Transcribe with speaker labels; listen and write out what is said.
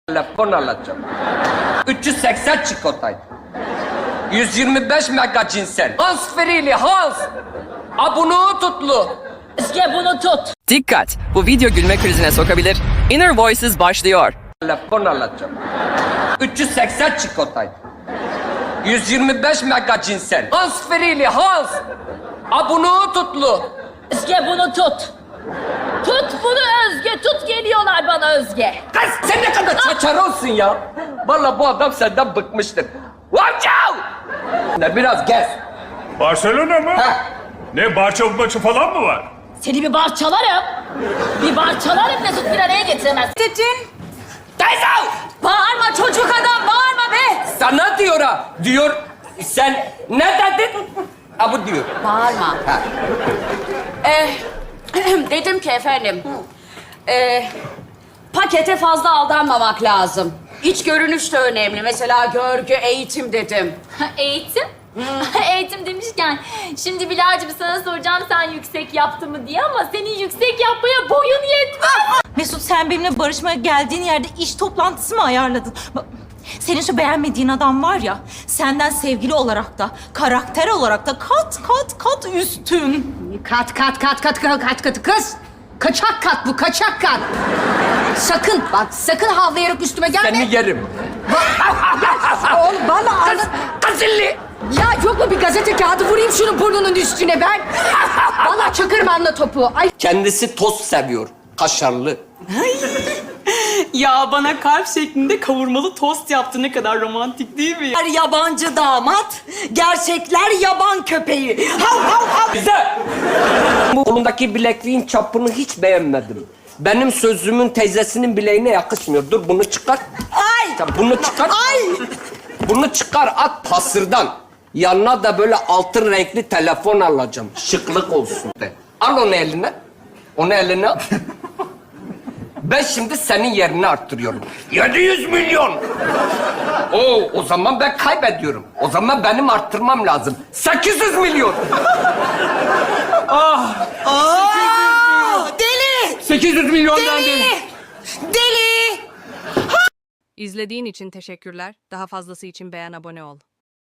Speaker 1: Telefon alacağım. 380 çikolataydı. 125 mega cinsel. Hans Frili, Hans. Abunu tutlu.
Speaker 2: Özge bunu tut.
Speaker 3: Dikkat! Bu video gülme krizine sokabilir. Inner Voices başlıyor.
Speaker 1: Telefon alacağım. 380 çikolataydı. 125 mega cinsel. Hans Frili, Hans. Abunu tutlu.
Speaker 2: Özge bunu tut. Tut bunu Özge. Tut geliyorlar bana Özge.
Speaker 1: Kız sen ne kadar çaçar olsun ya. Vallahi bu adam senden bıkmıştır. Watch out! Ne biraz gez.
Speaker 4: Barcelona mı?
Speaker 1: Heh.
Speaker 4: Ne barça maçı falan mı var?
Speaker 2: Seni bir barçalarım. Bir barçalarım Mesut bir araya getiremez.
Speaker 5: Dedin.
Speaker 1: Teyze!
Speaker 5: Bağırma çocuk adam bağırma be.
Speaker 1: Sana diyor ha. Diyor sen ne dedin? Ha bu diyor.
Speaker 5: Bağırma.
Speaker 1: Ha.
Speaker 5: Dedim ki efendim. Pakete fazla aldanmamak lazım. İç görünüş de önemli. Mesela görgü, eğitim dedim.
Speaker 6: Eğitim? Eğitim demişken, şimdi Bilal'cim sana soracağım sen yüksek yaptı mı diye ama senin yüksek yapmaya boyun yetmez.
Speaker 7: Mesut sen benimle barışmaya geldiğin yerde iş toplantısı mı ayarladın? Bak, senin şu beğenmediğin adam var ya, senden sevgili olarak da, karakter olarak da kat üstün.
Speaker 5: Kat kız. Kaçak kat bu, kaçak kat. Sakın bak, sakın havlayarak üstüme gelme.
Speaker 1: Seni yerim.
Speaker 5: Oğlum bana
Speaker 1: Kız, kızıllı.
Speaker 5: Ya yok mu bir gazete kağıdı vurayım şunun burnunun üstüne ben. Vallahi çakırım anla topu. Ay
Speaker 1: Kendisi tost seviyor. Kaşarlı.
Speaker 8: Ya bana kalp şeklinde kavurmalı tost yaptı. Ne kadar romantik değil mi?
Speaker 5: yabancı damat, gerçekler yaban köpeği. Hav hav hav.
Speaker 1: Bize. Bu kolundaki bilekliğin çapını hiç beğenmedim. Benim sözümün teyzesinin bileğine yakışmıyor. Dur bunu çıkar.
Speaker 5: Ay!
Speaker 1: Sen bunu çıkar.
Speaker 5: Ay!
Speaker 1: Bunu çıkar at hasırdan. Yanına da böyle altın renkli telefon alacağım. Şıklık olsun de. Al onu eline. Onu eline al. Ben şimdi senin yerini arttırıyorum. 700 milyon. O zaman ben kaybediyorum. O zaman benim arttırmam lazım. 800 milyon.
Speaker 5: Deli!
Speaker 1: 800 milyondan değil.
Speaker 5: Deli!
Speaker 9: İzlediğin için teşekkürler. Daha fazlası için beğen, abone ol.